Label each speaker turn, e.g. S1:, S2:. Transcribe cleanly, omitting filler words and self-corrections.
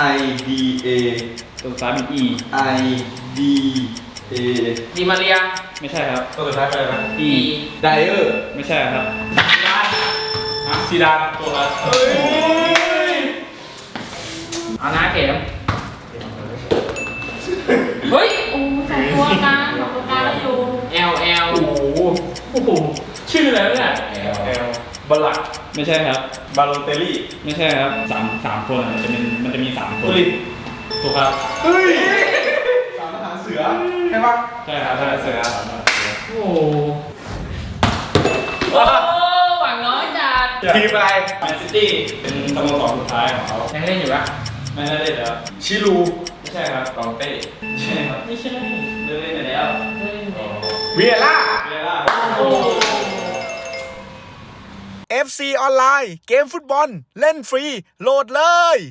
S1: D A
S2: ตัวซ้ายเป็น E
S1: I D A
S3: ดีมาเรีย
S2: ไม่ใช่ครับ
S4: ตัวสุดท้ายเป็นอะไรนะ
S2: E
S1: ไดเออร์
S2: ไม่ใช่ครับ
S4: ซีดานตัวละ
S3: เอาหน้าเข็มเฮ้ย
S5: โอ้สองตัวกลางสองตัวกลางแล้วอยู่
S3: L
S4: โอ้โหชื่ออะไรเนี่ยบาลัก
S2: ไม่ใช่ครับ
S4: บาโลเตลลี่
S2: ไม่ใช่ครับสามคนอะมันจะมีสามคน
S4: ตุลิน
S2: ถูกครับ
S1: เฮ้ยสามทหารเสือใช่ปะ
S2: ใช่ครับใช่เสือ
S3: โอ้โหหวังน้อยจัด
S4: ทีมอะไร
S2: แมนซิตี้เป็นสโมสรสุดท้ายของเขา
S3: ยังเล่นอยู่ปะ
S2: ไม่ได้เล่นแล้ว
S4: ชิลู
S2: ไม่ใช่ครับ
S4: ลองเต้
S2: ไม่ใช่ครับ
S3: ไม่ใช่
S2: เล่นไปแล้ว
S4: เวียร่า
S2: เวลา
S3: โอ้
S6: FC ออนไลน์เกมฟุตบอลเล่นฟรีโหลดเลย